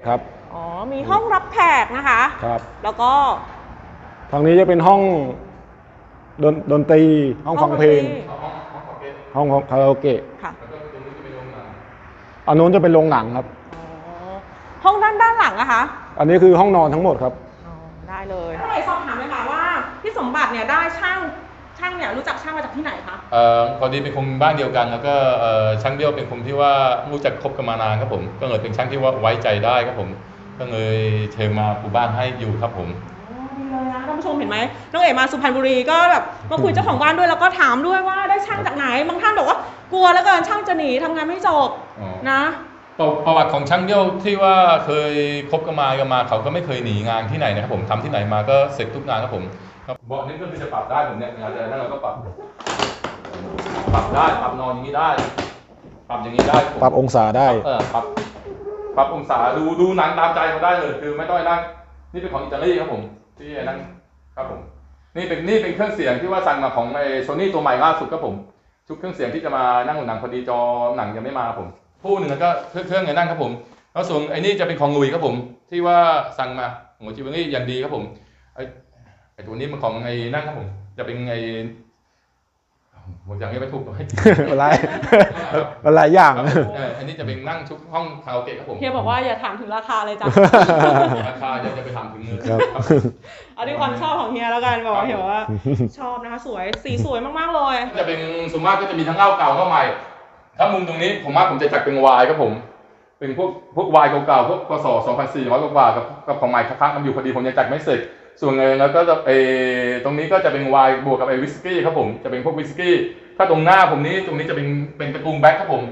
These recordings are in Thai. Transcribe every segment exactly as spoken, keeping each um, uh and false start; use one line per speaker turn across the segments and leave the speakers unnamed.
ครับ
อ๋อมีห้องรับแขกนะคะ
ครับ
แล้วก็
ทางนี้จะเป็นห้องดนดนตรีห้องฟังเพลงห้องคาราโอเกะ
ค่ะ
อันนู้นจะเป็นโรงหนังครับ
ห้องด้านด้านหลังอะคะ
อันนี้คือห้องนอนทั้งหมดครับ
ได้เลยก็เลยสอบถามเลยค่ะว่าพี่สมบัติเนี่ยได้ช่างช่างเนี่ยรู้จักช่างมาจากที่ไหนคะ
เอ่อพอดีเป็นคนบ้านเดียวกันแล้วก็เอ่อช่างเบี้ยวเป็นคนที่ว่ารู้จักคบกันมานานครับผมก็เลยเป็นช่างที่ว่าไว้ใจได้ครับผมก็เลยเชิญมาปูบ้านให้อยู่ครับผม
ดีเลยนะท่านผู้ชมเห็นไหมน้องเอ๋มาสุพรรณบุรีก็แบบมาคุยเจ้าของบ้านด้วยแล้วก็ถามด้วยว่าได้ช่างจากไหนบางท่านบอกว่ากลัวแล้วเกินช่างจะหนีทำงานไม่จบนะ
ประวัติของช่างเบี้ยวที่ว่าเคยคบกันมากันมาเขาก็ไม่เคยหนีงานที่ไหนนะครับผมทำที่ไหนมาก็เสร็จทุกงานครับผมเบาะนี้ก็คือจะปรับได้ผมเนี่ยงานแต่นั่นเราก็ปรับปรับได้ปรับนอนอย่างนี้ได้ปรับอย่างนี้ได้
ปรับองศาได้
เออปรับปรับองศาดูดูหนังตามใจเขาได้เลยคือไม่ต้องนั่งนี่เป็นของอิตาลีครับผมที่นั่งครับผมนี่เป็นนี่เป็นเครื่องเสียงที่ว่าสั่งมาของไอโซนี่ตัวใหม่ล่าสุดครับผมชุดเครื่องเสียงที่จะมานั่งหนังพอดีจอหนังยังไม่มาผมคู่หนึ่งก็เครื่องเครื่องไงนั่งครับผมแล้วส่วนไอ้นี่จะเป็นของลุยครับผมที่ว่าสั่งมาของจิวเวลรี่อย่างดีครับผมไอ้ไอ้ตัวนี้มันของไอ้นั่งครับผมจะเป็นไอ้ผมยังไม่ถูกเลย
อะไรอะไรอย่าง
อันนี้จะเป็นนั่งชุดห้องคาราโอเกะครับผม
เฮียบอกว่าอย่าถามถึงราคาเลยจ้ะ
ราคาจะจะไปถามถึงเงิน
อันนี้ความชอบของเฮียแล้วกันบอกเฮียว่าชอบนะคะสวยสีสวยมากๆเลย
จะเป็นส่วนมากก็จะมีทั้งเหล้าเก่าเหล้าใหม่ถ้ามุมตรงนี้ผมว่าผมจะจัดเป็นวายครับผมเป็นพวกพวกวายเก่าๆพวกกสสองพันสี่ร้อยกว่ากับกับของใหม่ค้างกันอยู่พอดีผมยังจัดไม่เสร็จส่วนเงินแล้วก็จะเอตรงนี้ก็จะเป็นวายบวกกับไอวิสกี้ครับผมจะเป็นพวกวิสกี้ถ้าตรงหน้าผมนี้ตรงนี้จะเป็นเป็นตระกูลแบ็คครับผม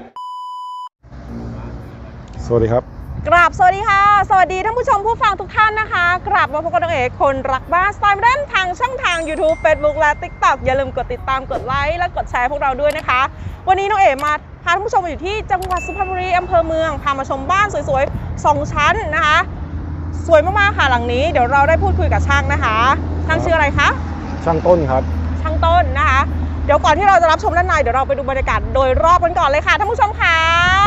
สวัสดีครับ
กราบสวัสดีค่ะสวัสดีท่านผู้ชมผู้ฟังทุกท่านนะคะกราบมาพบกับน้องเอ๋คนรักบ้านสไตล์โมเดิร์นทางช่องทาง YouTube Facebook และ ติ๊กต็อก อย่าลืมกดติดตามกดไลค์และกดแชร์พวกเราด้วยนะคะวันนี้น้องเอ๋มาพาท่านผู้ชมมาอยู่ที่จังหวัดสุพรรณบุรีอำเภอเมืองพามาชมบ้านสวยๆสองชั้นนะคะสวยมากๆค่ะหลังนี้เดี๋ยวเราได้พูดคุยกับช่างนะคะช่างชื่ออะไรคะ
ช่างต้นครับ
ช่างต้นนะคะเดี๋ยวก่อนที่เราจะรับชมด้านในเดี๋ยวเราไปดูบรรยากาศโดยรอบกันก่อนเลยค่ะท่านผู้ชมค่ะ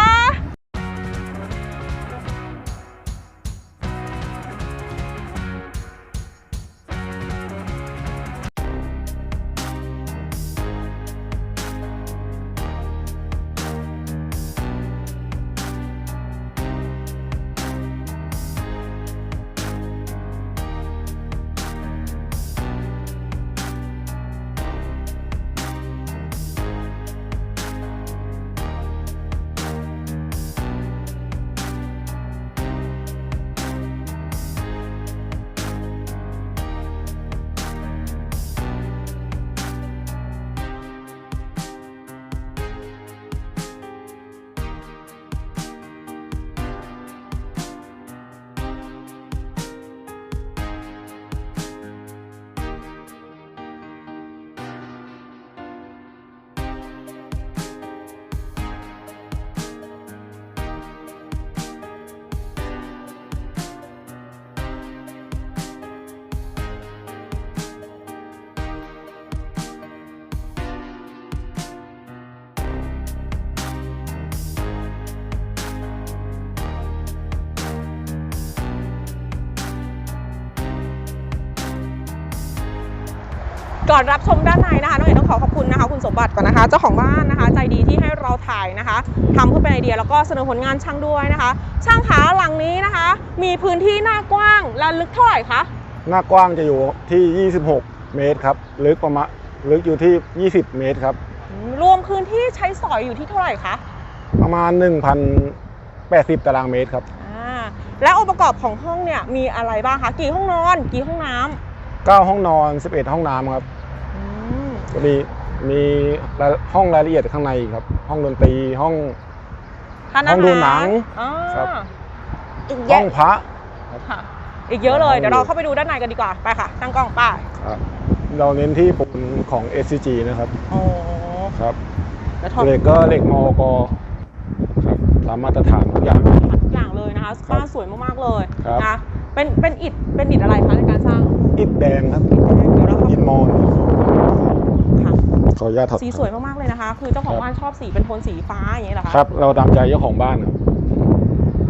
ก่อนรับชมด้านในนะคะน้องเอ๋ต้องขอขอบคุณนะคะคุณสมบัติก่อนนะคะเจ้าของบ้านนะคะใจดีที่ให้เราถ่ายนะคะทำเพื่อเป็นไอเดียแล้วก็เสนอผลงานช่างด้วยนะคะช่างขาหลังนี้นะคะมีพื้นที่หน้ากว้างและลึกเท่าไหร่คะ
หน้ากว้างจะอยู่ที่ยี่สิบหกเมตรครับลึกประมาณลึกอยู่ที่ยี่สิบเมตรครับ
รวมพื้นที่ใช้สอยอยู่ที่เท่าไหร่คะ
ประมาณ หนึ่งพันแปดสิบ ตารางเมตรครับ
อ่าและองค์ประกอบของห้องเนี่ยมีอะไรบ้างคะกี่ห้องนอนกี่ห้องน้ำ
เก้าห้องนอนสิบเอ็ดห้องน้ำครับก็มีมีห้องรายละเอียดข้างในครับห้องดนตรีห้องห้องดูหนังครับห้องพระ
อีกเยอะเลยเดี๋ยวเราเข้าไปดูด้านในกันดีกว่าไปค่ะตั้งกล้องป้า
เราเน้นที่ปูนของ เอส ซี จี นะครับ
อ๋อ
ครับเหล็กก็เหล็กมอกครับตามมาตรฐานทุกอย่าง
ทุกอย่างเลยนะคะบ้านสวยมากๆเลยนะเป็นเป็นอิฐเป็นอิฐอะไรคะในการสร้าง
อิฐแดงครับอิฐมอญขออนุญาตถอด
สีสวยมากๆเลยนะคะคือเจ้าของบ้านชอบสีเป็นโทนสีฟ้าอย่างนี้เหรอคะ
ครับเราตามใจเจ้าของบ้านครับ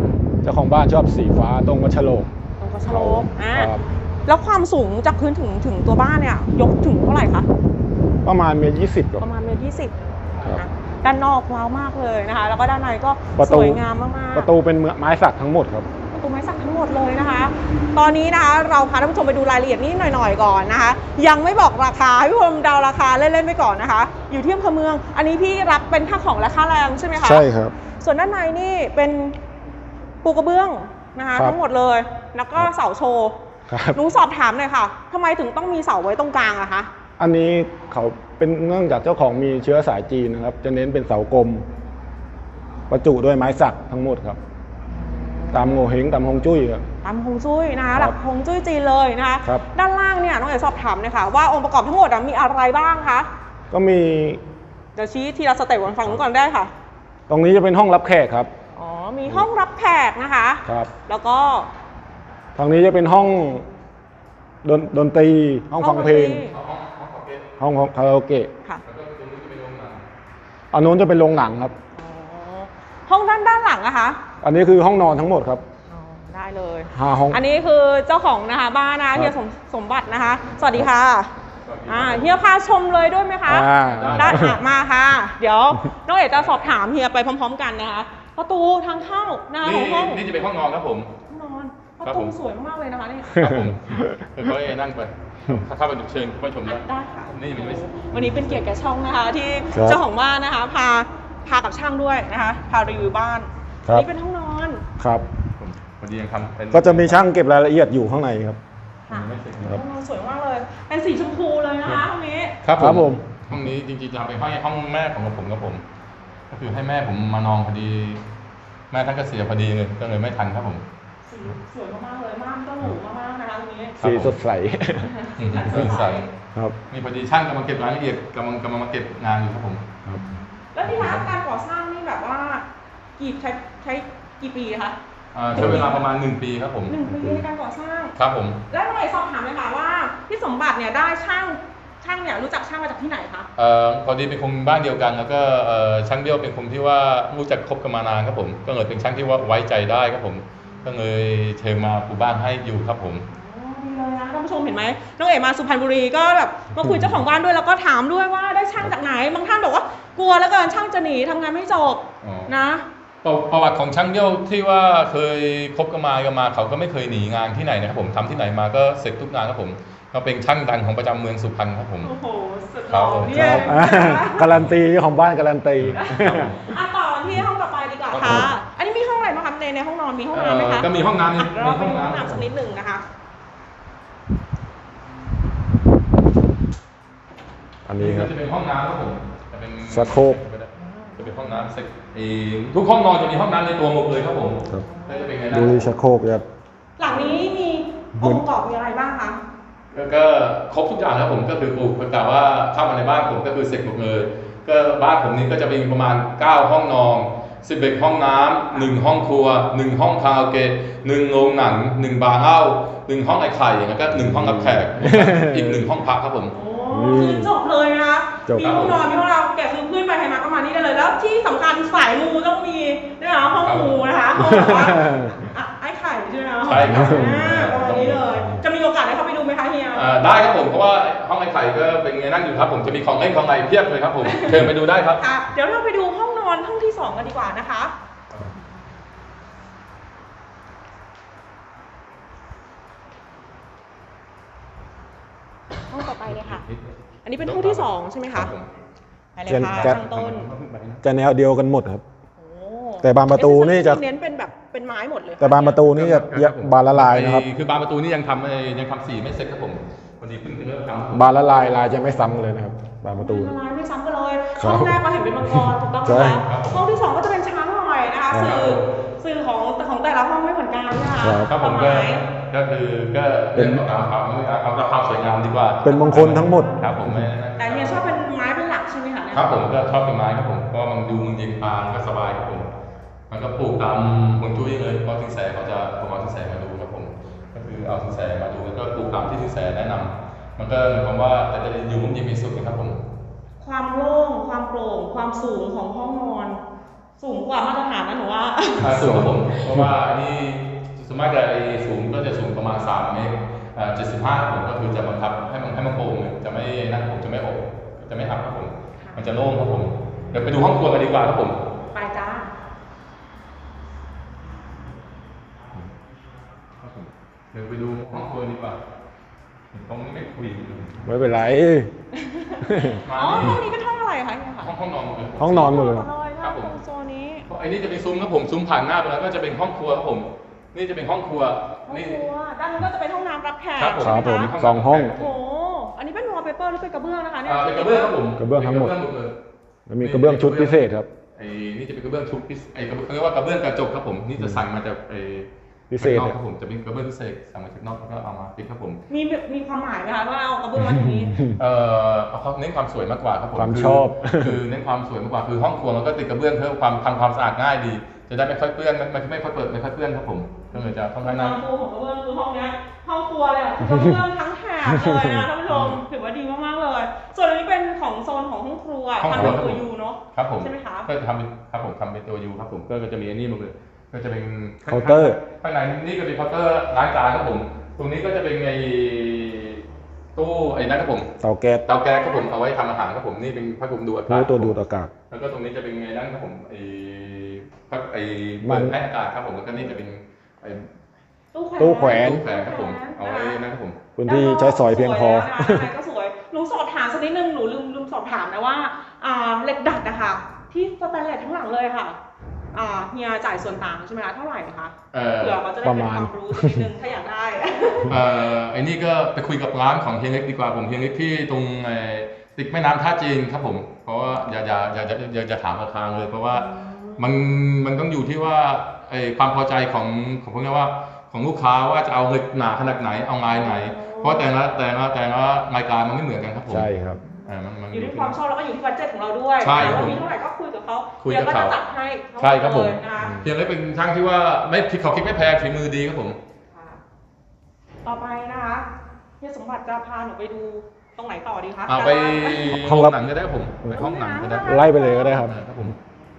เจ้าของบ้านชอบสีฟ้าตรงกระโฉลก
ตรงกระโฉลกอ่า
ครับ
แล้วความสูงจากพื้นถึงถึงตัวบ้านเนี่ยยกถึงเท่าไหร่คะ
ประมาณเมตรยี่สิบ
ประมาณเมตรยี่สิบ
ครับ
นะด้านนอกว้าวมากเลยนะคะ แล้วก็ด้านในก็
ประ
ส
ตู
วยงามมากๆ
ประตูเป็นไม้สักทั้งหมดครับ
ประตูไม้สักทั้งหมดเลยนะคะ ตอนนี้นะคะเราพาท่านผู้ชมไปดูรายละเอียดนิดหน่อยๆก่อนนะคะ ยังไม่บอกราคาให้ผู้ชมเดาราคาเล่นๆไปก่อนนะคะ อยู่ที่อำเภอเมือง อันนี้พี่รับเป็นค่าของและค่าแรงใช่ไหมคะ
ใช่ครับ
ส่วนด้านในนี่เป็นปูกระเบื้องนะคะ
ครับ
ทั้งหมดเลย แล้วก็เสาโชว์
ครับ
หนูสอบถามหน่อยค่ะทำไมถึงต้องมีเสาไว้ตรงกลางอะคะ
อันนี้เขาเป็นเนื่องจากเจ้าของมีเชื้อสายจีนนะครับ จะเน้นเป็นเสากลมประจุด้วยไม้สักทั้งหมดครับ ตามโงเฮงตามฮงจุ้ยครับ
ตามฮวงจุ้ยนะคะ
ครับ
หลักฮวงจุ้ยจีนเลยนะคะ
ครับ
ด้านล่างเนี่ยน้องเอ๋สอบถามเลยค่ะว่าองค์ประกอบทั้งหมดอะมีอะไรบ้างคะ
ก็มี
เดี๋ยวชี้ทีละสเต็ปก่อนฟังนู้นก่อนได้ค่ะ
ตรงนี้จะเป็นห้องรับแขกครับ
อ๋อมีห้องรับแขกนะคะ
ครับ
แล้วก็
ทางนี้จะเป็นห้องดนดนตรีห้องฟังเพลง
ห้องห้องคาเฟ่
ห้องคาราโอเกะ
ค่ะ
แล้วก็ตรงนี้จะเป็นโรงหนัง
อันนู้นจะเป็นโรงหนังครับ
อ๋อห้องด้านด้านหลังนะคะ
อันนี้คือห้องนอนทั้งหมดครับ
อ๋อได้เลย
ห้าห้อง
อันนี้คือเจ้าของนะคะบ้านนะ
ครั
เฮี
บ
ยสมสมบัตินะคะ สวัสดีค่ะอ่าเฮียพาชมเลยด้วยไหมคะ
อ่า
ได้อ่ะมาค่ะ เดี๋ยวน้องเอ๋จะสอบถามเฮียไปพร้อม ๆ กันนะคะ ประตูทางเข้านะคะข
นี่
องห้อง
นี่จะเป็นห้องนอนครับผม
ห้องนอนป
ครั
ระ
บ
ตู
ผม
สวยมากๆเลยนะคะนี่
ครับผมค่อยๆนั่งไปถ้าเข้าไปดูเชิญเข้าไปชมได้
ได้ค่ะ
นี่มันไม่
วันนี้เป็นเกียรติแก่ช่องนะคะ ที่
ครับ
เจ้าของบ้านนะคะ พาพากับช่างด้วยนะคะ พารีวิวบ้าน
ครับ
นี่เป็นห้องนอน
ครับ
ผมพอดียังทำเป็น
ก็จะมีช่างเก็บรายละเอียดอยู่ข้างในครับ
ค่ะ
ไม่เสร็จ
ครั
ห้
บ
องนอนสวยมากเลย เป็นสีชมพูเลยนะคะห้องนี้
ครับ
ครับผม
ห้องนี้จริงๆจะทำเป็นห้องห้องแม่ของผมกับผม ก็คือให้แม่ผมมานอนพอดี แม่ท่านก็เสียพอดีเลยก็เลยไม่ทันครับผม
สีสวยมากๆเลยม่านก็หรูมากๆนะคะตรงนี้
ครับ
สีสดใส
อืมตื่นใส
ครับ
นี่พอดีช่างกำลังเก็บรายละเอียดกำลังกำลังมาเก็บงานอยู่ครับผม
ครับ
แล้วที่ร้านการก่อสร้างนี่แบบว่ากี่ใช้ใช้กี่ปีคะ
อ่าใช้เวลาประมาณหนึ่งปีครับผม
หนึ่งปีในการก่อสร้าง
ครับผม
แล้วหน่อยสอบถามเลยค่ะว่าพี่สมบัติเนี่ยได้ช่างช่างเนี่ยรู้จักช่างมาจากที่ไหนคะ
เอ่อพอดีเป็นคนบ้านเดียวกัน แล้วก็เอ่อช่างเบี้ยวเป็นคนที่ว่ารู้จักคบกันมานานครับผม ก็เลยเป็นช่างที่ว่าไว้ใจได้ครับผม ก็เลยเชิญมาปูบ้านให้อยู่ครับผม
อ๋อดีเลยนะท่านผู้ชมเห็นไหมน้องเอ๋มาสุพรรณบุรีก็แบบมาคุยเจ้าของบ้านด้วยแล้วก็ถามด้วยว่าได้ช่างจากไหนบางท่านบอกว่ากลัวแล้วเกินช่างจะหนีทำงานไม่จบ
อ๋อ
นะ
ประประวัติของช่างเบี้ยวที่ว่าเคยคบกันมากันมาเขาก็ไม่เคยหนีงานที่ไหนนะครับผมทำที่ไหนมาก็เสร็จทุกงานครับผมเขาเป็นช่างดังของประจำเมืองสุพรรณครับผม
โอ้โหสุดห
ครั
ล่
บ
อ
ผม
เนี่
ค
ย
รับอ่าการันตีเจ้าของบ้านการันตี
อ่ะต่อที่ห้องต่อไปดีกว่า
ครั
ค่ะ
บ
อันนี้มีห้องอะไรบ้างคะในในห้องนอนมีห้องน้ำไหมคะ
เอ่อก็มีห้องน้ำ
อ่ะ
มี
เราไป
ห้
ดู
อง
ห้อง
น้ำ
น้ำสักนิดหนึ่งนะคะ
อันนี้ครับ
จะเป็นห้องน้ำครับผมจะเป็น
ชักโครก
จะเป็นห้องน้ำเซ็กเอ่อทุกห้องนอนจะมีห้องน้ำในตัวหมดเลยครับผม
ครับ
แล้วจะเป็นไงนะ
ดูชักโครกครับ
หลังนี้มีองค์ประกอบมีอะไรบ้างคะ
ก็ก็ครบทุกอย่างครับผมก็คืออุปกรณ์ว่าเข้ามาในบ้านผมก็คือเสร็จหมดเลย ก็บ้านผมนี้ก็จะมีประมาณเก้าห้องนอนสิบเอ็ดห้องน้ำหนึ่งห้องครัวหนึ่งห้องคาราโอเกะหนึ่งโรงหนังหนึ่งบาร์เหล้าหนึ่งห้องไอ้ไข่แล้วก็หนึ่งห้องรับแขกอีกหนึ่งห้องพักครับผม
โอ้คือจบเลยนะคะ
จบ
มีห้องนอนมีห้องเราแกะคือเพื่อนไปใครมาก็มานี่ได้เลย แล้วที่สำคัญสายมูต้องมีนะคะห้องมูนะคะห้องแบบว่าอ่ะไอ้ไข่ใช่ไหมคะ
ใช่ครับ
อ่าประมาณนี้เลย จะมีโอกาสได้เข้าไปดูไหมคะเฮีย
อ่าได้ครับผมเพราะว่าห้องไอ้ไข่ก็เป็นไงนั่งอยู่ครับผมจะมีของเล่นของอะไรเพียบเลยครับผมเชิญไปดูได้ครับ
ค่ะ เดี๋ยวเราไปดูห้องนอนห้องที่สองกันดีกว่านะคะ ห้องต่อไปเลยค่ะ อันนี้เป็นห้องที่สองใช่ไหมคะไปเลยค่ะ
จะ
ทางต้น
จะแนวเดียวกันหมดครับ
โอ้
แต่บานประตูนี่จะ
เน้นเป็นแบบเป็นไม้หมดเลย
แต่บานประตูนี่จะบานละลายนะครับ
คือบานประตูนี่ยังทำเอ่อยังทำสีไม่เสร็จครับผมพอดีเพิ่งเริ่มทำ
บานละลายลายจะไม่ซ้ำเลยนะครับ บานประตู
ละลายไม่ซ้ำกันเลย
ครับ
ห้องแรกเราเห็นเป็นมังกรถูกต้องไหม
ใช่
คะห้องที่สองก็จะเป็นช้างหน่อยนะคะ
ครับ
สื่อสื่อของของแต่ละห้องไม่เหมือนกันนะคะ
ครับ
ครับผม
ค
ก็
วามหมาย
ก็คือก็เรื่องของการความเอาเอาความสวยงามดีกว่า
เป็นมงคลทั้งหมด
ครับผมไม่
แต่เฮียชอบเป็นไม้เป็นหลักใช่ไหมคะเนี่ย
ครับผมก็ชอบเป็นไม้ครับผมเพราะว่ามันดูมันเย็นตาก็สบายครับผมมันก็ปลูกตามฮวงจุ้ยเลยเพราะสินแสเขาจะผมเอาสินแสมาดูครับผมก็คือเอาสินแสมาดูแล้วก็ปลูกตามที่สินแสแนะนำมันก็หมายความว่าแต่จะอยู่ร่มเย็นเป็นสุขนะครับผม
ความโล่งความโปร่งความสูงของห้องนอนสูงกว่ามาตรฐานนะหนูว่า
อ่าสูงครับผมเพราะว่าอันนี้สมมติจะไอ้สูงก็จะสูงประมาณสามเมตรอ่าเจ็ดสิบห้าครับผมก็คือจะบังคับให้มันให้มันโป่งจะไม่นั่นผมจะไม่อบจะไม่หักครับผมมันจะโล่งครับผมเดี๋ยวไปดูห้องครัวกันดีกว่าครับผม
ไปจ้า
เดี๋ยวไปดูห้องครัวดีกว่าตรงนี้ไม่คุย
ไม่เป็นไร
มา
อ๋อ
นี่
ห้องนี้เป็นห้องอะไรคะเนี่ยค่ะ
ห้องห้องนอนหมดเลย
ห้องนอนหมดเลย
ครับผม
โซนนี้
ไอ้นี่จะเป็นซุ้มครับผมซุ้มผ่านหน้าไปแล้วก็จะเป็นห้องครัวครับผม นี่จะเป็นห้องครัว
ห้อง
นี่
ครัวด้านนู้นก็จะเป็นห้องน้ำรับแขก
ครับผม
ใช่ไห
ครับผม
คะ
สองห้อง
โอ้โหอันนี้เป็นวอลเปเปอร์หรือเป็นกระเบื้องนะคะเนี่ย
อ่าเป็นกระเบื้องครับผม
กระเบื้องทั้งหมด
เป็นกระเบื้องหมดเลย
แล้วมีกระเบื้องชุดพิเศษครับ
ไอ้นี่จะเป็นกระเบื้องชุดพิเศษไอ้กระเบื้องเขาเรียกว่ากระเบื้องกระจกครับผมนี่จะสั่งมาจากไอ้
พิเศษ
ข้างนอกครับผมจะเป็นกระเบื้องพิเศษสั่งมาจากนอกแล้วก็เอามาปิดครับผม
มีมีความหมายไหมคะว่าเอากระเบื้องมาตรงนี้
เอ่อเอาเขาเน้นความสวยมากกว่าครับผม
ความชอบ
คือเน้นความสวยมากกว่าคือห้องครัวเราก็ติดกระเบื้องเพื่อความทำความสะอาดง่ายดี จะได้ไม่ค่อยเปื้อนไม่ไม่ค่อยเปิดไม่ค่อยเปื้อนครับผมก็เลยจะค่อนข้าง
ค
น่า
วามฟูของกระเบื้องคือห้องเนี้ยห้องครัวเลยอะคือกระเบื้องทั้งแถบเลยนะท่านผู้ชมถือว่าดีมากๆเลย ส่วนอันนี้เป็นของโซนของห้องครัว
ห้อง
ทำ
ครัว
เป็น
ครับ
ตั
ผ
ว
ม
ยูเนาะ
ครับผม
ใช่ไหมคะ
ก็จะทำเป็นครับผมทำเป็นตัวยูครับผมก็จะมีอันนี้มาเลยก็จะเป็น
เคาน์เตอร์
ข้างในนี่ก็เป็นเคาน์เตอร์ล้างจานครับผม ตรงนี้ก็จะเป็นไอ้ตู้ไอ้นั่นครับผม
เตาแก๊ส
เตาแก๊สครับผมเอาไว้ทำอาหารครับผมนี่เป็นพัดลมดูดอากาศ
รู้ตัวดูดอากาศ
แล้วก็ตรงนี้จะเป็นไอ้นั่นครับผมไอ้พัดไอ้
มั
เปิ
น
ดให้อากาศครับผมแล้วก็นี่จะเป็นไอ้
ตู้แขวน
ตู้แขวนครับผมเอาไว้นั่นครับผม
พื้นที่ใช้สอยเพียงพอ
สวยแล้วนะอะไรก็สวยหนูสอบถามสักนิดนึงหนูลืมลืมสอบถามนะว่าอ่าเหล็กดัดนะคะที่สแตนเลสทั้งหลังเลยค่ะอ่าเฮียจ่ายส่วนต่างใช่ไหมคะเท่าไหร่คะ
เอ่อ
เผื่อเขาจะได้
ประ
เป็น
มาณ
ความรู้สักนิดนึงถ้าอยากได้
เอ่อไอ้นี่ก็ไปคุยกับร้านของเฮียเล็กดีกว่าผมเฮียเล็กที่ตรงไอ้ติดแม่น้ำท่าจีนครับผมเพราะว่าอย่าอย่าอย่าอย่าอย่าอย่าถามราคาเลยเพราะว่ามันมันต้องอยู่ที่ว่าไอ้ความพอใจของของพวกนี้ว่าของลูกค้าว่าจะเอาเหล็กหนาขนาดไหนเอาลายไหน เพราะแต่ละแต่ละแต่ละรายการมันไม่เหมือนกันครับผม
ใช่ครับ
อ่ามันมัน
อยู่ที่ความชอบแล้วก็อยู่ที่บัดเจ็ตของเราด้วย
ใช่ครับ
ว่ามีเท่าไหร่ก็คุยกับเขา
คุยกับ
เดี๋ยวก็
เขา
จะจัดให้ทั้งหมด
ใช่ครับผม
เลยนะคะ
เฮียเล็กเป็นช่างที่ว่าไม่คิดเขาคิดไม่แพงฝีมือดีครับผม
ค่ะต่อไปนะคะเฮียสมบัติจะพาหนูไปดูตรงไหนต่อดีคะ
เอาไป
ห้องรับ
หนังก็ได้ครับผมไปห้องหนังก็ได้
ไล่ไปเลยก็ได้ครับ
ครับผม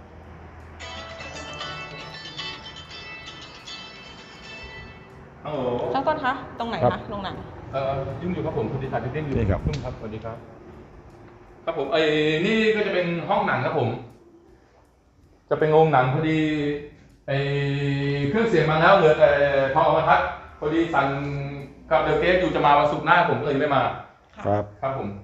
ฮัลโหล
ช่างต้นคะตรงไหน
ครั
คะ
บ
โรงหนัง
เอ่อยุ่งอยู่ครับผมคุณดิฉันยุ่งอยู่
นี่ครับ
ยุ่งครับสวัสดีครับครับผมไอ้นี่ก็จะเป็นห้องหนังครับผม จะเป็นโรงหนังพอดีไอ้เครื่องเสียงมาแล้วเหลือแต่พอเอามาทัดพอดีสั่งกับเดลเกสอยู่จะมาวันศุกร์หน้าผมก็เลยไม่มา
ครับ
ครับผม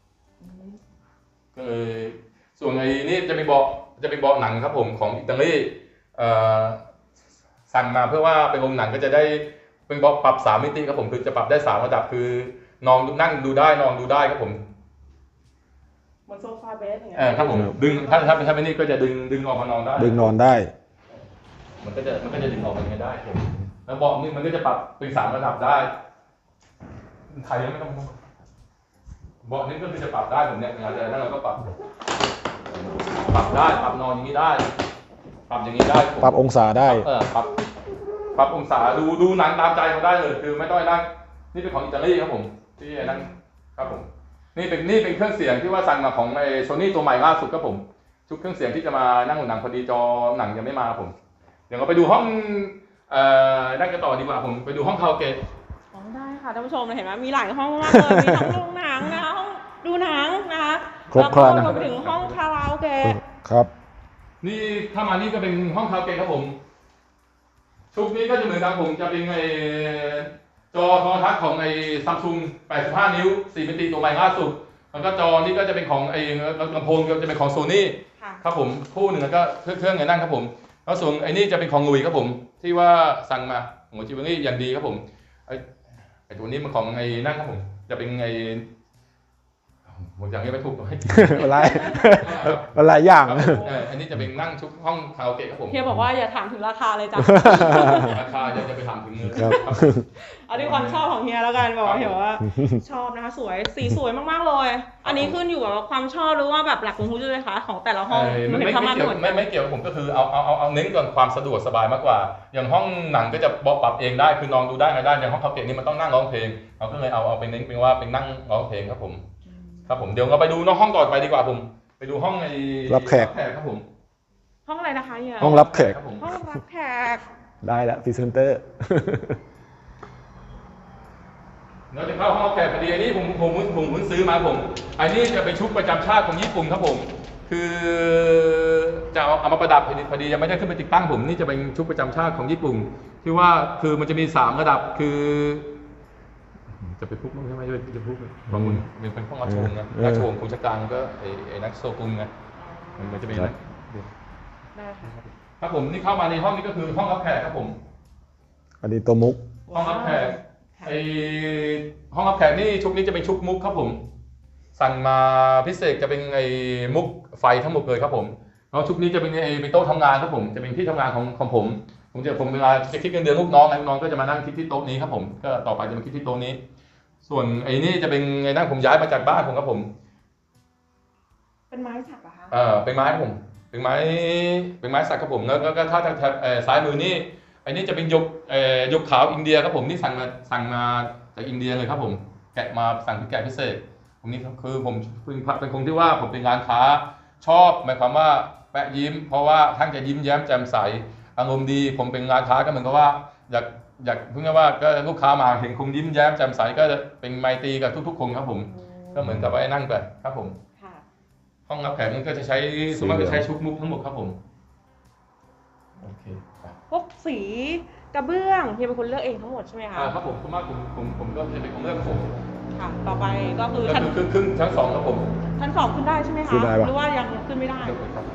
ก็เลยส่วนไอ้นี่จะเป็นเบาะจะเป็นเบาะหนังครับผมของอิตาลีเอ่อสั่งมาเพื่อว่าเป็นโรงหนังก็จะได้เป็นเบาะปรับสามมิติครับผมคือจะปรับได้สามระดับคือนอนนั่งดูได้นอนดูได้ครับผม
เหมือนโซฟาเบสอย่างเงี้ย
เออครับผมดึงถ้าถ้าถ้าเป็นนี่ก็จะดึงดึงออกมานอนได้
ดึงนอนได้
มันก็จะมันก็จะดึงออกมาอย่างนี้ได้ผมแล้วเบาะนี่มันก็จะปรับเป็นสามระดับได้ไทยไม่ต้องเบาะนี่ก็คือจะปรับได้ผมเนี่ยเวลาจะนั่งเราก็ปรับ ปรับได้ปรับนอนอย่างนี้ได้ ปรับอย่างนี้ได้ผม
ปรับองศาได้
เออปรับปรับองศาดูดูหนังตามใจเขาได้เลยคือไม่ต้องนั่งนี่เป็นของอิตาลีครับผมที่นั่งครับผมนี่เป็นนี่เป็นเครื่องเสียงที่ว่าสั่งมาของไอโซนี่ตัวใหม่ล่าสุดครับผมชุดเครื่องเสียงที่จะมานั่งดูหนังพอดีจอหนังยังไม่มาผม เดี๋ยวเราไปดูห้องเอ่อนั่งกันต่อดีกว่าผมไปดูห้องคาราโอเกะ
อ๋อได้ค่ะท่านผู้ชมเห็นไหมมีหลายห้องมากเลยมีทั้งโรงหนังนะคะห้องดูหนังนะคะ
ครบครัน
แล้ว
นะ
ก็รวมไปถึงห้องคาราโอเกะ
ครับ
นี่ถ้ามานี่ก็เป็นห้องคาราโอเกะครับผมชุดนี้ก็จะเหมือนกันผมจะเป็นไอจอโทรทัศน์ของไอซัมซุงแปดสิบห้านิ้วสี่มิติตัวใหม่ล่าสุดแล้วก็จอนี่ก็จะเป็นของไอลำโพงก็จะเป็นของโซนี่
ค่ะ
ครับผมคู่หนึ่งแล้วก็เครื่องเครื่องไงนั่งครับผมแล้วส่วนไอ้นี่จะเป็นของลุยครับผมที่ว่าสั่งมาหัวจิวเวลรี่อย่างดีครับผมไอ้ไอ้ตัวนี้มันของไอ้นั่นครับผมจะเป็นไอ้ผมยังไม่ถูกเลย
อะไรอะไรอย่าง
ครับเอออันนี้จะเป็นนั่งชุดห้องคาราโอเกะครับผม
เฮียบอกว่าอย่าถามถึงราคาเลยจ้ะ
ราคาจะจะไปถามถึงเงิน
ครับ
ครับ
เอาด้วยความชอบของเฮียแล้วกันบอกว่าเฮียว่าชอบนะคะสวยสีสวยมากๆเลย อันนี้ขึ้นอยู่กับความชอบหรือว่าแบบหลักของคุณด้วยคะของแต่ละห้อง
เอ่อ
มัน
ไม่
เห็น
ไม่
เข้ามา
เกี่ยว
เหมือน
ไม่
กัน
ไม่เกี่ยวกับผมก็คือเอาเอาเอาเอาเน้นก่อนความสะดวกสบายมากกว่า อย่างห้องหนังก็จะปรับเองได้คือนอนดูได้ไงได้อย่างห้องคาราโอเกะนี่มันต้องนั่งร้องเพลงเราก็เลยเอาเอาไปเน้นเป็นว่าเป็นนั่งร้องเพลงครับผมครับผมเดี๋ยวเราไปดูนอกห้องต่อไปดีกว่าผมไปดูห้องไอ้
รับแขก
ครับผม
ห้องอะไรนะคะเฮีย
ห้องรับแขก
ครับผม
ห้องรับแขก
ได้แล้วพรีเซนเตอร์
เราจะเข้าห้องรับแขกพอดีอันนี้ผมผมผมผมเพิ่งซื้อมาผมอันนี้จะเป็นชุดประจำชาติของญี่ปุ่นครับผมคือจะเอาเอามาประดับพอดีพอดียังไม่ได้ขึ้นไปติดตั้งผมนี่จะเป็นชุดประจำชาติของญี่ปุ่นที่ว่าคือมันจะมีสามระดับคือ จะไปพุกมั้งใช่ไหมจะจะพุกบางคนเป็นเป็นห้องราชวงศ์นะ
เออ
ราชวงศ์คุชการก็ไอ้ไอ้นักโซกุงไงมันมันจะเป็นนะ
ได้ค่ะ
ครับผมนี่เข้ามาในห้องนี้ก็คือห้องรับแขกครับผม
อันนี้ตัวมุก
ห้องรับแขกไอห้องรับแขกนี่ชุดนี้จะเป็นชุดมุกครับผม สั่งมาพิเศษจะเป็นไอมุกไฟทั้งหมดเลยครับผมแล้วชุดนี้จะเป็นไอเป็นโต๊ะทำงานครับผมจะเป็นที่ทำงานของของผมผมจะผมเวลาจะคิดเงินเดือนลูกน้องลูกน้องก็จะมานั่งคิดที่โต๊ะนี้ครับผมก็ต่อไปจะมาคิดที่โต๊ะนี้ ส่วนไอ้นี่จะเป็นไอ้นั่งผมย้ายมาจากบ้านผมครับผม
เป็นไม้สักเหรอคะ
เออเป็นไม้ครับผมเป็นไม้เป็นไม้สักครับผมแล้วก็ถ้าทางซ้ายมือนี่ไอ้นี่จะเป็นยกเอ่อยกขาวอินเดียครับผมนี่สั่งมาสั่งมาจากอินเดียเลยครับผมแกะมาสั่งเป็นแกะพิเศษผมนี่คือผมเป็นคนที่ว่าผมเป็นงานค้าชอบหมายความว่าแปะยิ้มเพราะว่าท่านจะยิ้มแย้มแจ่มใสอารมณ์ดีผมเป็นงานค้าก็เหมือนกับว่าอยากอยากเพิ่งว่าก็ลูกค้ามาเห็นคงยิ้มแย้มแจ่มใสก็จะเป็นไมตรีกับทุกๆคนครับผมก็เหมือนกับว่านั่งไปครับผม
ค่ะ
ห้องรับแขกนี่ก็จะใช้สมมติจะใช้ชุดมุกทั้งหมดครับผมโอเคครับ
พวกสีกระเบื้องเฮียเป็นคนเลือกเองทั้งหมดใช่ไหมคะ
อ่าครับผมส่วนมากผมผมผมก็จะเป็นคนเลือกผม
ค่ะ ต่อไปก็คือ
ก็
ชั้น
คือครึ่งครึ่งชั้นสองครับผม
ชั้นสองขึ้นได้ใช่ไหมคะ
ขึ้นได้ปะ
หรือว่ายังขึ้นไม่ได้
เดี๋ยวครับ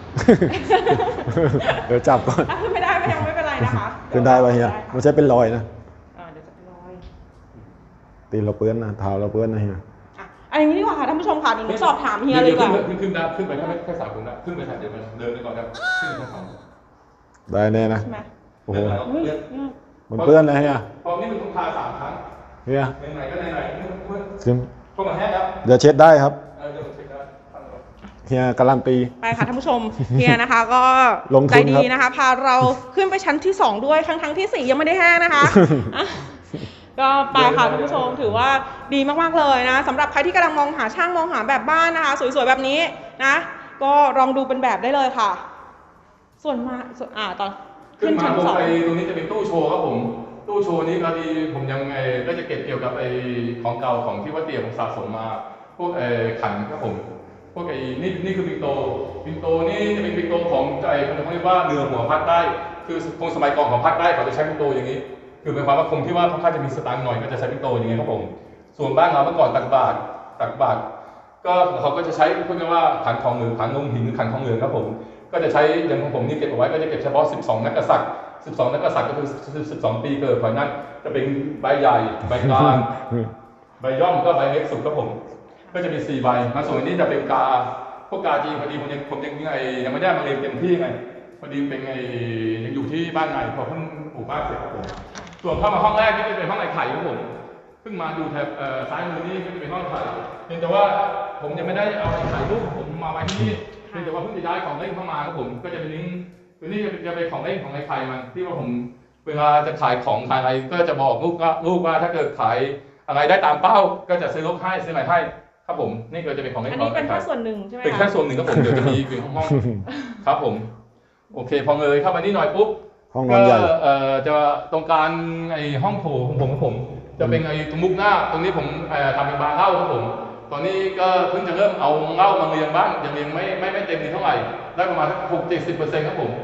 เดี๋ยวจับก่อน
ถ้าขึ้นไม่ได้ก็ยังไม่เป็นไรนะคะ
ขึ้นได้ป่ะเฮียไม่ใช่เป็นรอยนะ
อ่าเดี๋ยวจะเป็นรอย
ตีนเราเปื้อนนะเท้าเราเปื้อนนะเฮีย
อ่ะอันนี้ดีกว่าค่ะท่านผู้ชมค่ะเดี๋ยวหนูสอบถามเฮียเลยดีกว่า
ขึ้นขึ้นได้ขึ้นไปแค่แค่สามคนนะขึ้นไปสามเดี๋ยวมันเดินไปก่อนครับขึ้นไปแค่สอง
ได้แน่นะ
ใช่ไหม
โอ้โห
เฮ้ยเนี่ย
มันเปื้อนนะเฮีย
พอนี่มันต้องทาสามครั้ง
เฮีย
ไหนๆก็ไหนๆเมื่อ
ซึม
พวกมันแห้งครับ
เดี๋ยวเช็ดได้ครับ
เออเดี๋ยวผมเช็คได้ครับ
เฮียการันตี
ไปค่ะท่านผู้ชมเฮียนะคะ ก็
ลงทุน
ใจดี
ครับ
นะคะ พาเราขึ้นไปชั้นที่สองด้วยทั้งทั้งๆที่สี่ยังไม่ได้แห้งนะคะอ่ะก็ไปค่ะท่านผู้ชมถือว่าดีมากๆเลยนะสำหรับใครที่กำลังมองหาช่างมองหาแบบบ้านนะคะ สวยๆแบบนี้นะ ก็ลองดูเป็นแบบได้เลยค่ะ ส่วนมาส่วนอ่าตอน
ขึ้
ขึ้
น
น
มา
ชั้น
ผม
สอง
ไปตรงนี้จะเป็นตู้โชว์ครับผม ตู้โชว์นี้ก็ดีผมยังไงก็จะเก็บเกี่ยวกับไอ้ของเก่าของที่ว่าเตี่ยผมสะสมมา พวกไอ้ขันครับผม พวกไอ้นี่นี่คือปิงโตปิงโตนี่จะเป็นปิงโตของไอ้เขาเรียกว่าเรือหัวภาคใต้คือคงสมัยก่อนของภาคใต้เขาจะใช้ปิงโตอย่างนี้ คือหมายความว่าคงที่ว่าค่อนข้างจะมีสตางค์หน่อยก็จะใช้ปิงโตอย่างนี้ครับผม ส่วนบ้านเราเมื่อก่อนตักบาตรตักบาตรก็เขาก็จะใช้พวกนี้ว่าขันทองเหลืองขันนมหินขันทองเหลืองครับผม ก็จะใช้อย่างของผมนี่เก็บเอาไว้ก็จะเก็บเฉพาะสิบสองนักกษัตริย์สิบสองนักกษัตริย์ก็คือสิบสองปีเกิดเพราะนั้นจะเป็นใบใหญ่ใบกลางใบย่อมก็ใบเล็กสุดครับผม ก็จะมีสี่ใบมาส่วนนี้จะเป็นกาพวกกาจีนพอดีผมยังผมยังไงยังไม่ได้มาเรียนเต็มที่ไงพอดีเป็นไงยังอยู่ที่บ้านไงพอเพิ่งปลูกบ้านเสร็จครับผมส่วนเข้ามาห้องแรกนี่จะเป็นห้องไอ้ไข่ครับผมเพิ่งมาดูแถบซ้ายมือนี่ก็จะเป็นห้องไข่เพียงแต่ว่าผมยังไม่ได้เอาไอ้ไข่รูปผมมาไว้ที่นี่เพียงแต่ว่าเพิ่งจะย้ายของเล่นเข้ามาครับผมก็จะเป็นลิงก์คือนี่จะเป็นของเล่นของไอ้ไข่มันที่ว่าผมเวลาจะขายของขายอะไรก็จะบอกลูกว่าลูกว่าถ้าเกิดขายอะไรได้ตามเป้าก็จะซื้อรถให้ซื้ออะไรให้ครับผมนี่ก็จะเป็นของเล่น
อัน
ของ
นี้เป็นแค่ส่วนหนึ่งใช่ไหม
เป็นแค่ส่วนหนึ่งครับผมเดี๋ยวจะมีเป็นห้องๆครับผมโอเคพอเลยเข้ามานี่หน่อยปุ๊บ
ห้องนอนใหญ่
ก็เอ่อจะตรงกลางไอ้ห้องโถของผมของผม จะเป็นไอ้ตรงมุกหน้าตรงนี้ผมเอ่อทำเป็นบาร์เหล้าครับผมตอนนี้ก็เพิ่งจะเริ่มเอาเหล้ามาเรียงบ้างยังเรียงไม่ไม่ไม่เต็มที่เท่าไหร่ได้ประมาณสักหกเจ็ดสิบเปอร์เซ็นต์ครับผม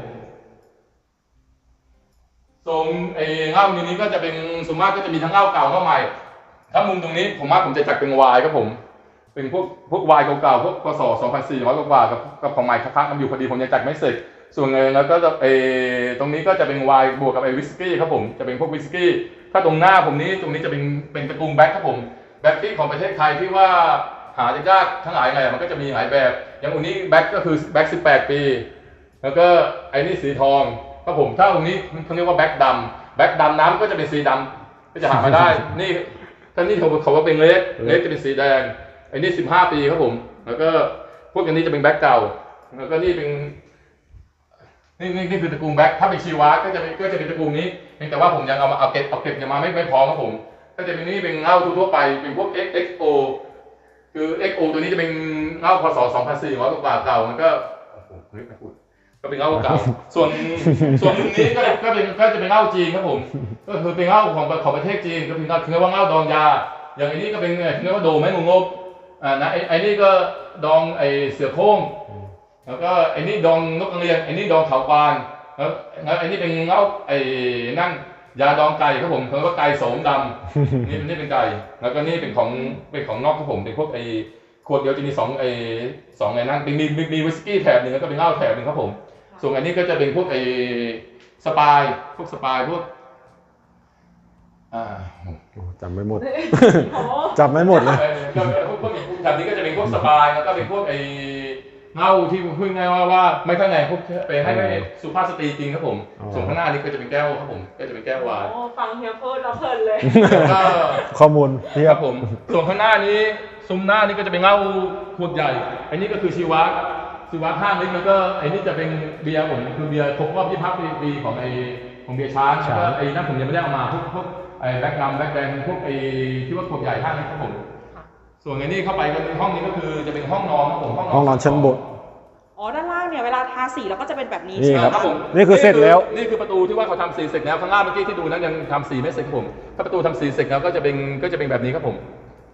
ทรงไอ้เหล้านี้ก็จะเป็นส่วนมากก็จะมีทั้งเหล้าเก่าเหล้าใหม่ถ้ามุมตรงนี้ผมว่าผมจะจัดเป็นวายครับผมเป็นพวกพวกวายเก่าๆพวกพศสองพันสี่ร้อยกว่ากับกับของใหม่ค้างๆกันอยู่พอดีผมยังจัดไม่เสร็จส่วนเงินแล้วก็จะไอ้ตรงนี้ก็จะเป็นวายบวกกับไอ้วิสกี้ครับผมจะเป็นพวกวิสกี้ถ้าตรงหน้าผมนี้ตรงนี้จะเป็นเป็นตระกูลแบ็คครับผมแบ็คที่ของประเทศไทยที่ว่าหายากทั้งหลายไงมันก็จะมีหลายแบบอย่างอันนี้แบ็คก็คือแบ็คสิบแปดปีแล้วก็ไอ้นี่สีทองครับผมถ้าตรงนี้เขาเรียกว่าแบ็คดำแบ็คดำน้ำก็จะเป็นสีดำก็จะหามาได้นี่ถ้านี่เขาเขาว่าเป็นเล็กเล็กจะเป็นสีแดงไอ้นี่สิบห้าปีครับผมแล้วก็พวกอันนี้จะเป็นแบ็คเก่าแล้วก็นี่เป็นนี่นี่นี่คือตระกูลแบ็คถ้าเป็นชีวะก็จะเป็นก็จะเป็นตระกูลนี้เพียงแต่ว่าผมยังเอามาเอาเก็บเอาเก็บยังมาไม่ไม่พร้อมครับผมก็จะเป็นนี่เป็นเหล้าทั่วไปเป็นพวก เอ็กซ์ โอ คือ เอ็กซ์ โอ ตัวนี้จะเป็นเหล้าพศสองพันสี่ร้อยกว่าเก่ามันก็โอ้โหไม่พูดก็เป็นเหล้าเก่าส่วนส่วนนี้ก็ก็เป็นก็จะเป็นเหล้าจีนครับผมก็คือเป็นเหล้าของของประเทศจีนก็เป็นคือว่าเหล้าดองยาอย่างอันนี้ก็เป็นเรียกว่าโดแม่งงบอ่านะไอ้ไอ้นี่ก็ดองไอ้เสือโคร่งแล้วก็ไอ้นี่ดองนกกระเรียนไอ้นี่ดองเขาปานแล้วแล้วไอ้นี่เป็นเหล้าไอ้นั่นยาดองไก่ครับผมเขาเรียกว่าไก่โสมดำนี่นี่เป็นไก่แล้วก็นี่เป็นของเป็นของนอกครับผมเป็นพวกไอ้ขวดเดียวจะมีสองไอ้สองไอ้นั่นเป็นมีมีมีวิสกี้แถบหนึ่งแล้วก็เป็นเหล้าแถบหนึ่งครับผมส่วนอันนี้ก็จะเป็นพวกไอ้สปายพวกสปายพวกอ่า
จำไม่หมดจำไม่หมดเลย
ก็พวกพวกแบบนี้ก็จะเป็นพวกสปายแล้วก็เป็นพวกไอ้เหล้าที่พูดง่ายว่าว่าไม่ข้างในพวกไปให้ให้สุภาพสตรีจริงครับผมส่วนข้างหน้านี้ก็จะเป็นแก้วครับผมก็จะเป็นแก้ววาย
โอ้ฟังเฮียพูดแล้วเพลินเลย
ก็
ข้อมูลเทีย
ครับ บผมส่วนข้างหน้านี้ซุ้มหน้านี้ก็จะเป็นเหล้าขวดใหญ่อันนี้ก็คือชีวะชีวะห้าลิตรแล้วก็ไอ้นี่จะเป็นเบียร์ผมคือเบียร์ครบรอบยี่สิบห้าปีของไอ้ของเบียร์ช้างแล้วก็ไอ้นั่นผมยังไม่ได้เอามาพวกพวกไอ้แบ็คกัมแบ็คแดงพวกไอ้ที่ว่าขวดใหญ่ห้าลิตรครับผมส่วนไอ้นี่เข้าไปก็ห้องนี้ก็คือจะเป็นห้องนอนครับผม
ห้องนอนชั้นบน
อ๋อด้านล่างเนี่ยเวลาทาสีแล้วก็จะเป็นแบบนี้
นี่
ใช่ไหม
ครับ
ผม
นี่คือเสร็จแล้ว
นี่คือประตูที่ว่าเขาทำสีเสร็จแล้วข้างล่างเมื่อกี้ที่ดูนั้นยังทำสีไม่เสร็จครับผมถ้าประตูทำสีเสร็จแล้วก็จะเป็นก็จะเป็นแบบนี้ครับผม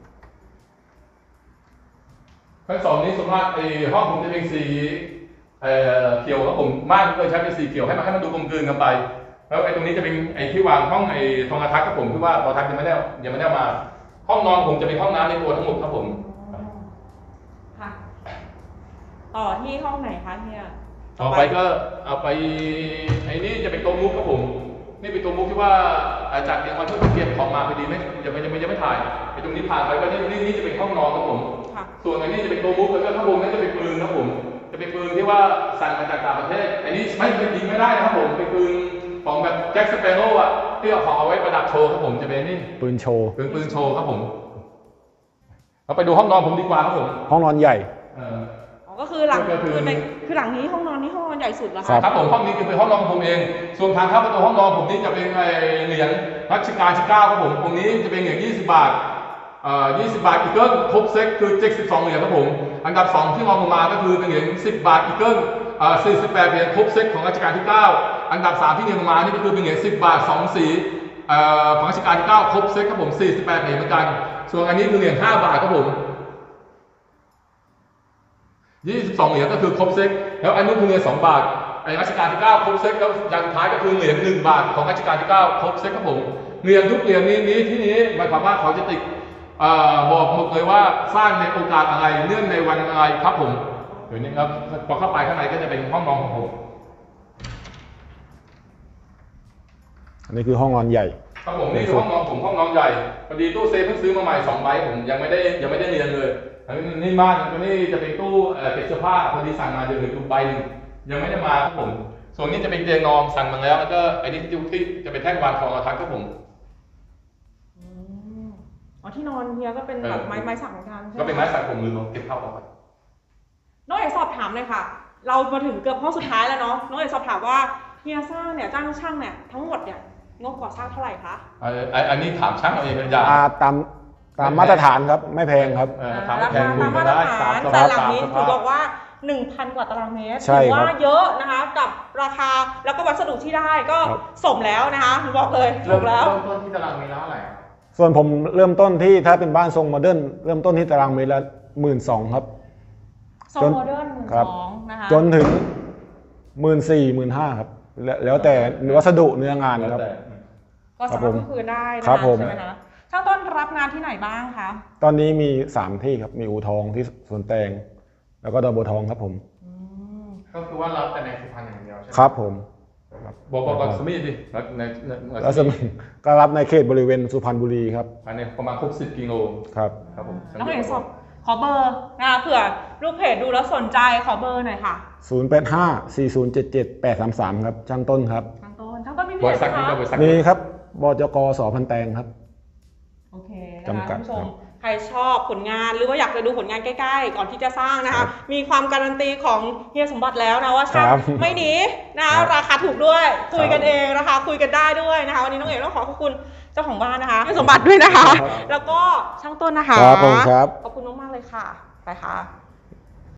ชั้นสองนี้ส่วนมากไอ้ห้องผมจะเป็นสีเอ่อเขียวครับผมม่านก็ใช้เป็นสีเขียวให้มันให้มันดูกลมกลืนกันไปแล้วไอ้ตรงนี้จะเป็นไอ้ที่วางห้องไอ้ทองอาทักครับผมคือว่าทองอาทักยังไม่ได้ยังไม่ได้มาห้องนอนผมจะเป็นห้องน้ำในตัวทั้งหมดครับผม
ค่ะต่อที่ห้องไหนคะเฮีย
ต่อไปก็เอาไปไอ้นี่จะเป็นตัวมุกครับผมนี่เป็นตัวมุกที่ว่าอาจารย์เรียนมาเพื่อเก็บของมาพอดีไหมยังไม่ยังไม่ยังไม่ถ่ายไอ้ตรงนี้ผ่านไปก็นี่นี่นี่จะเป็นห้องนอนครับผมส่วนอันนี้จะเป็นตัวมุกแล้วก็ข้างบนนั่นจะเป็นปืนครับผมจะเป็นปืนที่ว่าสั่งมาจากต่างประเทศอันนี้ไม่ยิงไม่ได้นะครับผมเป็นปืนของแบบแจ็คสเปโร่อะที่เอาของเอาไว้ประดับโชว์ครับผมจะเป็นนี่
ปืนโชว์
ปืนปืนโชว์ครับผมเราไปดูห้องนอนผมดีกว่าครับผม
ห้องนอนใหญ่
เออ
ก็คือหลัง
ก็คือ
คือในคือหลังนี้ห้องนอนนี่ห้องนอนใหญ่สุดแล้ว
ครั
ค่ะ
บ
ครับผมห้องนี้คือเป็นห้องนอนของผมเอง ส่วนทางเข้าประตูห้องนอนผมนี่จะเป็นไอเหรียญรัชกาลที่เก้าครับผมตรงนี้จะเป็นเหรียญยี่สิบบาทเอ่อยี่สิบบาทอีเกิลครบเซ็ตคือเจ็ดสิบสองเหรียญครับผมอันดับสองที่รองลงมาก็คือเป็นเหรียญสิบบาทอีเกิลเอ่อสี่สิบแปดเหรียญครบเซ็ตของรัชกาลที่เก้าอันดับสามที่เรียงลงมานี่ก็คือเป็นเหรียญสิบบาทสองสีเอ่อของรัชกาลที่เก้าครบเซ็ตครับผมสี่สิบแปดเหรียญเหมือนกันส่วนอันนี้คือเหรียญห้าบาทครับผมยี่สิบสองเหรียญก็คือครบเซ็ตแล้วอันนี้คือเหรียญสองบาทไอ้รัชกาลที่เก้าครบเซ็ตแล้วอย่างสุดท้ายก็คือเหรียญหนึ่งบาทของรัชกาลที่เก้าครบเซ็ตครับผมเหรียญทุกเหรียญนี้นี้ที่นี้หมายความว่าเขาจะติดเอ่อบอกหมดเลยว่าสร้างในโอกาสอะไรเนื่องในวันอะไรครับผมเดี๋ยวนี้ครับพอเข้าไปข้างในก็จะเป็นห้องนอนของผม
อันนี้คือห้องนอนใหญ่
ครับผมนี่คือห้องนอนผมห้องนอนใหญ่พอดีตู้เซฟเพิ่งซื้อมาใหม่สองใบผมยังไม่ได้ยังไม่ได้เรียนเลยอันนี้นี่บ้านตัวนี้จะเป็นตู้เก็บเสื้อผ้าพอดีสั่งมาเดือนหนึ่งตู้ใบหนึ่งยังไม่ได้มาครับผมส่วนนี้จะเป็นเตียงนอนสั่งมาแล้วแล้วก็ไอ้นี่ที่ที่จะเป็นแท่นวางของอาทักครับผม
อ๋อที่นอนเฮียก็เป็นแบบไม้ไม้สักเหมือนกันใช่ไหม
ก็เป็นไม้สักผมลืมเก็บเข้าเอาไป
น้องเอกสอบถามเลยค่ะ เรามาถึงเกือบห้องสุดท้ายแล้วเนาะน้องเอกสอบถามว่าเฮียสร้างเนี่ยจ้างช่างเนี่ยทั้งหมดเนี่ยงบก่อสร้างเท่าไหร่คะ
อันนี้ถามช่างเอาเองเป็นยา
อ่าตามตามมาตรฐานครับไม่แพงครับ
ถาม
รา
แพ
คาง
คุ
ตาย ม
กั
มาน ตร
ได้
ฐาน
สาม
แต่
ส
หลัง
าม
นี้
ส
ถือ
ภา
บ
พ
อกว่า หนึ่งพัน กว่าตารางเมตร
ใช่
ถือ
ครับ
ว่าเยอะนะคะกับราคาแล้วก็วัสดุที่ได้ก็
ครับ
สมแล้วนะคะบอกเลยถูกแล้ว
เริ่มต้นที่ตารางเมตรละเท่าไหร่
ส่วนผมเริ่มต้นที่ถ้าเป็นบ้านทรงโมเดิร์นเริ่มต้นที่ตารางเมตรละหมื่นสองครับ
โซน
จน
โมเดิร์นหมื่น
ครั
ส
บ
องนะคะ
จนถึงหมื่นสี่หมื่นห้าครับแล้วแล้วแต่วัสดุเนื้องานครับ
ก็สามารถพูดคุยได้นะ
ครั
คะ
บผม
ใช่ไหมคะช่างต้นรับงานที่ไหนบ้างคะ
ตอนนี้มีสามที่ครับมีอู่ทองที่สวนแตงแล้วก็ดอนบัวทองครับผม
อืม
ก็คือว่ารับแต่ในสุพรรณอย่างเดียวใช่ไหม
ครับผม
บอกบอกก่อนสมิธดิแล้วในใน
แล้วสมก็รับในเขตบริเวณสุพรรณบุรีครับ
ภายในประมาณหกสิบกิโล
ครับ
ครับผม
น้องเอกสอบขอเบอร์นะคะเผื่อลูกเพจดูแล้วสนใจขอเบอร์หน่อยค่ะ
ศูนย์ แปด ห้า สี่ ศูนย์ เจ็ด เจ็ด แปด สาม สามครับช่างต้นครับ
ช่างต้นช่างต้นมีเพ
บ
จ
ริษัท
ไหม
นี้
คะ
ก็บริษัท
มีครับบจกสพันแตงครับ
โอเคนะคะ
จำกัด
ท่านผู้ช
ครั
ม
บ
ใครชอบผลงานหรือว่าอยากจะดูผลงานใกล้ๆ ก่อนที่จะสร้างนะ
ครั
คะ
บ
มีความการันตีของเฮียสมบัติแล้วนะว่าช่าง
ครับ
ไม่หนีนะ
ครั
คะ
บ
ราคาถูกด้วยคุยกัน
ครับ
เองนะคะคุยกันได้ด้วยนะคะวันนี้น้องเอกต้องขอขอบคุณเจ้าของบ้านนะคะเฮียสมบัติด้วยนะคะ
ครับ
แล้วก็ช่างต้นนะคะ
ครับผมครับ
ขอบคุณมากๆเลยค่ะไปค่ะ